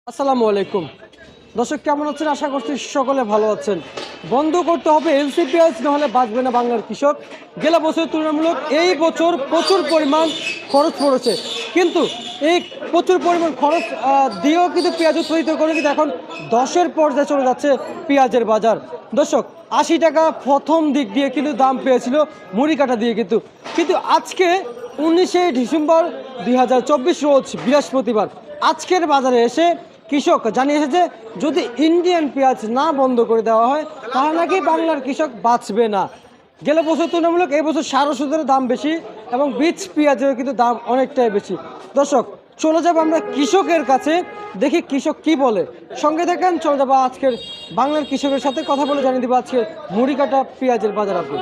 আসসালামু আলাইকুম দর্শক, কেমন আছেন? আশা করছি সকলে ভালো আছেন। বন্ধ করতে হবে এলসি পেঁয়াজ, নাহলে বাঁচবে না বাংলার কৃষক। গেল বছর তুলনামূলক এই বছর প্রচুর পরিমাণ খরচ পড়েছে, কিন্তু এই প্রচুর পরিমাণ খরচ দিয়েও কিন্তু পেঁয়াজ উৎপাদিত করে কিন্তু এখন 10-এর পর্যায়ে চলে যাচ্ছে পেঁয়াজের বাজার। দর্শক, 80 টাকা প্রথম দিক দিয়ে কিন্তু দাম পেয়েছিল মুড়ি কাটা দিয়ে, কিন্তু কিন্তু আজকে 19শে ডিসেম্বর 2024 রোজ বৃহস্পতিবার আজকের বাজারে এসে কৃষক জানিয়েছে যে যদি ইন্ডিয়ান পেঁয়াজ না বন্ধ করে দেওয়া হয় তাহলে নাকি বাংলার কৃষক বাঁচবে না। গেল বছর তুলনামূলক এই বছর সার ওষুধের দাম বেশি এবং বীজ পেঁয়াজের কিন্তু দাম অনেকটাই বেশি। দর্শক, চলে যাবো আমরা কৃষকের কাছে, দেখি কৃষক কি বলে। সঙ্গে থাকেন, চলে যাবো আজকের বাংলার কৃষকের সাথে কথা বলে জানিয়ে দেবো আজকে মুড়ি কাটা পেঁয়াজের বাজার আপডেট।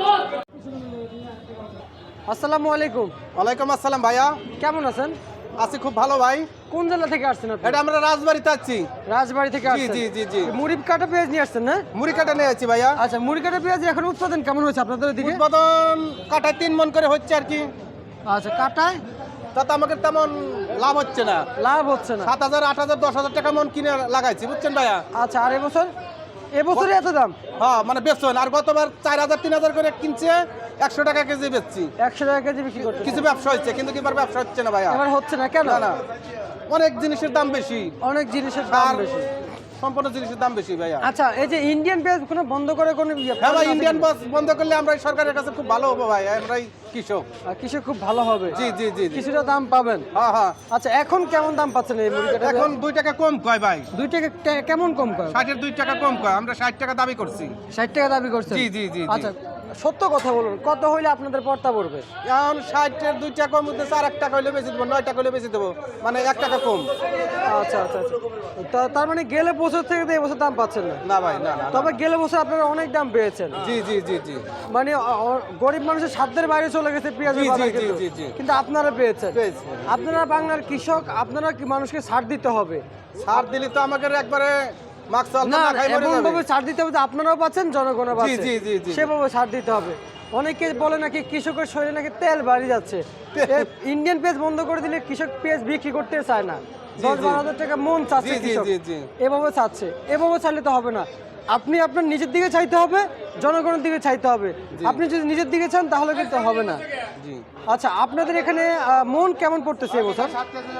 আসসালামু আলাইকুম। ওয়ালাইকুম আসসালাম ভাইয়া, কেমন আছেন? আছি খুব ভালো ভাই। কোন জেলা থেকে আসছেন আপনি? এটা আমরা রাজবাড়িতে আছি। রাজবাড়ি থেকে জি আসছেন? জি জি জি মুড়ি কাটা পেঁয়াজ নিয়ে আসছেন না? মুড়ি কাটা নিয়ে আছি ভাইয়া। আচ্ছা, মুড়ি কাটা পেঁয়াজ এখন উৎপাদন কেমন হয়েছে আপনাদের দিকে? উৎপাদন কাটায় 3 মণ করে হচ্ছে আর কি। আচ্ছা, কাটায় তাতে আমাকে তেমন লাভ হচ্ছে না। লাভ হচ্ছে না। 7,000 8,000 10,000 টাকা মণ কিনে লাগাইছি, বুঝছেন ভাইয়া। আচ্ছা, আর এবছরে এত দাম? হ্যাঁ মানে বেচছেন, আর গতবার 4,000 3,000 করে কিনছে, 100 টাকা কেজি বেচছি। 100 টাকা কেজি বিক্রি করতে কিছু ব্যবসা হচ্ছে, কিন্তু এবার ব্যবসা হচ্ছে না ভাইয়া। এবার হচ্ছে না কেন? না না, অনেক জিনিসের দাম বেশি, অনেক জিনিসের দাম আর বেশি। সম্পূর্ণ জিনিসের দাম বেশি ভাইয়া। আচ্ছা, এই যে ইন্ডিয়ান পেঁয়াজ কোনো বন্ধ করে কোনো হ্যাঁ ভাই, ইন্ডিয়ান বাস বন্ধ করলে আমরা এই সরকারের কাছে খুব ভালো হবো ভাই, আমরাই কৃষক। কৃষক খুব ভালো হবে। জি জি জি জি। কিছুটা দাম পাবেন। হ্যাঁ হ্যাঁ। আচ্ছা, এখন কেমন দাম পাচ্ছেন এই মুড়ি কাটা? এখন 2 টাকা কম কয় ভাই। 2 টাকা কেমন কম কয়? 60-এর 2 টাকা কম কয়, আমরা 60 টাকা দাবি করছি। 60 টাকা দাবি করছেন? জি জি জি জি। আচ্ছা, সত্য কথা বলুন, কত হইলে আপনাদের পড়তা পড়বে? এখন 60-এর 2 টাকা কম হচ্ছে, 4 টাকা হইলে বেশি দেবো, 9 টাকা হইলে বেশি দেবো, মানে 1 টাকা কম। আচ্ছা আচ্ছা আচ্ছা, তার মানে গেলে বছর থেকে তো এবছর দাম পাচ্ছেন না? না ভাই না না। তবে গেলে বছর আপনারা অনেক দাম পেয়েছেন। জি জি জি জি। মানে গরিব মানুষের সাধ্যের বাইরে চলে গেছে পেঁয়াজের জি, জি, বাজার, জি, কিন্তু জি, জি। কিন্তু আপনারা পেয়েছেন। পেয়েছি। আপনারা বাংলার কৃষক, আপনারা কি মানুষকে ছাড় দিতে হবে? ছাড় দিলে তো আমাকে একবারে মাস্ক চাল না, না খাই মরে এমন যাবে। ভাবে ছাড় দিতে হবে যে আপনারাও পাচ্ছেন, জনগণও জি পাচ্ছে। জি জি জি। সেভাবে ছাড় দিতে হবে। অনেকে বলে নাকি কৃষকের শরীরে নাকি তেল বাড়ি যাচ্ছে। ইন্ডিয়ান পেঁয়াজ বন্ধ করে দিলে কৃষক পেঁয়াজ বিক্রি করতে চায় না। 10-12 হাজার টাকা মন চাচ্ছে জি, জি, কৃষক। জি, জি। এভাবে চাচ্ছে, এভাবে চাইলে তো হবে না। আপনি আপনার নিজের দিকে চাইতে হবে, জনগণের দিকে চাইতে হবে। আপনি যদি নিজের দিকে চান তাহলে কিন্তু হবে না। জি। আচ্ছা, আপনাদের এখানে মন কেমন পড়তেছে এবছর?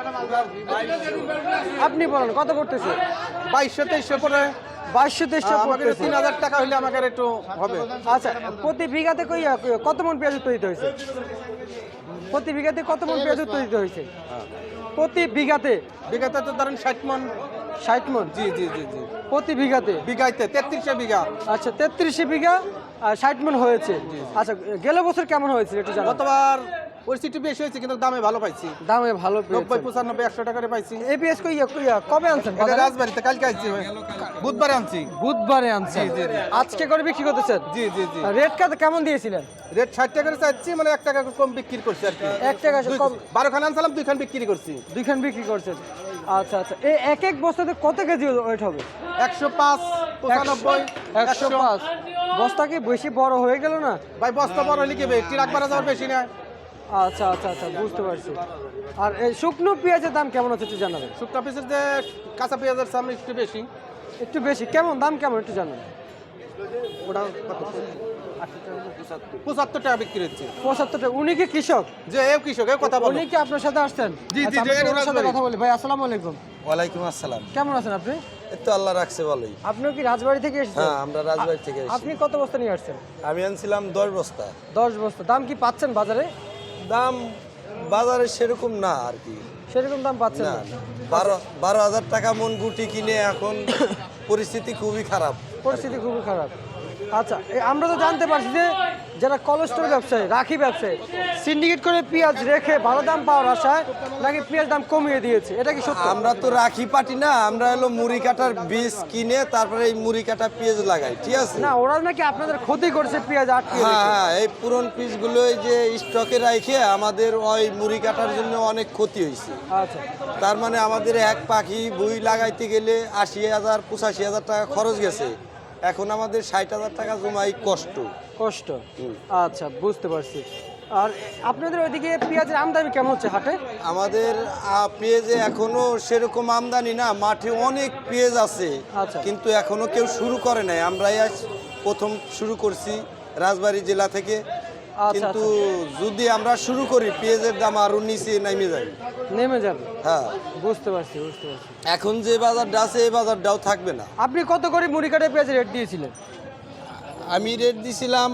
আপনি বলেন কত পড়তেছে? 2200-2300 পরে 2200-2300 আমাকে পড়তেছে। 3,000 টাকা হইলে আমাকে একটু হবে। আচ্ছা, প্রতি বিঘাতে কত মন পেঁয়াজ উৎপাদিত হয়েছে? প্রতি বিঘাতে কত মন পেঁয়াজ উৎপাদিত হয়েছে? প্রতি বিঘাতে বিঘাতে তো ধরেন 60 মণ। 60 মন জি জি জি জি। প্রতি বিঘাতে? বিঘাইতে 33 বিঘা। আচ্ছা, 33 বিঘা 60 মন হয়েছে। আচ্ছা, গেল বছর কেমন হয়েছে একটু জানান। গতবার পরিস্থিতি বেশি হয়েছে, কিন্তু দামে ভালো পাইছি। দামে ভালো 90 পেয়েছেন। 95 100 টাকা করে পাইছি। এই পেঁয়াজ কবে আনছেন এটা বাজারে? রাজবাড়িতে কালকে আইছি, বুধবারে আনছি। বুধবারে আনছেন? জি, জি, জি। আজকে করে বিক্রি করতেছেন? জি জি জি। রেট কেমন দিয়েছিলেন? রেট 60 টাকা করে চাইছি, মানে 1 টাকা কম বিক্রি করছি আর কি। 1 টাকা কম? 12 খান আনছিলাম, 2 খান বিক্রি করছি। 2 খান বিক্রি করছেন? আচ্ছা আচ্ছা, এই এক বস্তাতে কত কেজি ওয়েট হবে? 105 95 105। বস্তা কি বেশি বড় হয়ে গেল না? ভাই বস্তা বড় হলে কি হবে, ট্রাক ভাড়া যাওয়ার বেশি না। আচ্ছা আচ্ছা আচ্ছা, বুঝতে পারছি। আর এই শুকনো পেঁয়াজের দাম কেমন আছে একটু জানাবেন? শুকনা পিসের যে কাঁচা পেঁয়াজের সামনে একটু বেশি। একটু বেশি কেমন, দাম কেমন একটু জানাবেন? ওটা 75 টাকা বিক্রি হচ্ছে। 75 টাকা। উনি কি কৃষক? যে এও কৃষক, এও কথা বলো। উনি কি আপনার সাথে আসছেন? জি, জি, আচ্ছা, জি, আমি এর ওনার সাথে রাজবাড়ি। কথা বলি। ভাই, আসসালামু আলাইকুম। ওয়ালাইকুম আসসালাম। কেমন আছেন আপনি? এই তো আল্লাহ রাখছে ভালোই। আপনিও কি রাজবাড়ি থেকে এসেছেন? হ্যাঁ, আমরা রাজবাড়ি থেকে এসেছি। আপনি কত বস্তা নিয়ে আসছেন? আমি আনছিলাম 10 বস্তা। 10 বস্তা। দাম কি পাচ্ছেন বাজারে? দাম বাজারে সেরকম না আর কি। সেরকম দাম পাচ্ছেন না না? না। 12,000 টাকা মন গুটি কিনে এখন পরিস্থিতি খুবই খারাপ। পরিস্থিতি খুবই খারাপ। আচ্ছা, আমরা তো জানতে পারছি যে যারা কোলেস্টোর ব্যবসায়ী, রাখি ব্যবসায়ী, সিন্ডিকেট করে পেঁয়াজ রেখে ভালো দাম পাওয়ার আশায় নাকি পেঁয়াজ দাম কমিয়ে দিয়েছে, এটা কি সত্য? আমরা তো রাখি পাটি না, আমরা হলো মুড়ি কাটার বীজ কিনে তারপরে এই মুড়ি কাটা পেঁয়াজ লাগাই, ঠিক আছে? না, ওরা নাকি আপনাদের ক্ষতি করছে পেঁয়াজ আটকে হ্যাঁ রেখে। হ্যাঁ, এই পুরন পিসগুলো যে স্টকে রাখে আমাদের ওই মুড়ি কাটার জন্য অনেক ক্ষতি হয়েছে। আচ্ছা তার মানে আমাদের এক পাখি বই লাগাইতে গেলে 80,000 85,000 টাকা খরচ গেছে। এখন আমাদের 60,000 টাকা জমাই কষ্ট। কষ্ট। আচ্ছা, বুঝতে পারছি। আর আপনাদের ওইদিকে পেঁয়াজের আমদানি কেমন হচ্ছে হাটে? আমাদের পেঁয়াজে এখনো সেরকম আমদানি না, মাঠে অনেক পেঁয়াজ আছে, আচ্ছা। কিন্তু এখনো কেউ শুরু করে নাই। আমরাই আজ প্রথম শুরু করছি রাজবাড়ী জেলা থেকে। আচ্ছা, কিন্তু যদি আমরা শুরু করি পেঁয়াজের দাম আরো নিচে নেমে যাবে। নেমে যাবে। হ্যাঁ, বুঝতে পারছি। এখন যে বাজারটা আছে এই বাজারটাও থাকবে না। আপনি কত করে মুড়ি কাটা পেঁয়াজের রেট দিয়েছিলেন? আমি রেট দিছিলাম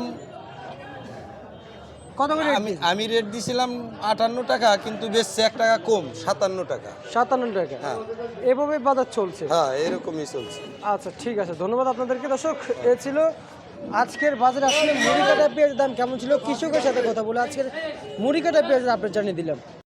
কত করে আমি রেট দিছিলাম 58 টাকা, কিন্তু বেচছে 1 টাকা কম, 57 টাকা। 57 টাকা। হ্যাঁ। এভাবে বাজার চলছে। হ্যাঁ, এরকমই চলছে। আচ্ছা, ঠিক আছে, ধন্যবাদ আপনাদেরকে। দর্শক, এ ছিল আজকের বাজারে আসলে মুড়ি কাটা পেঁয়াজের দাম কেমন ছিল, কৃষকের সাথে কথা বলে আজকের মুড়ি কাটা পেঁয়াজের আপডেট জানিয়ে দিলাম।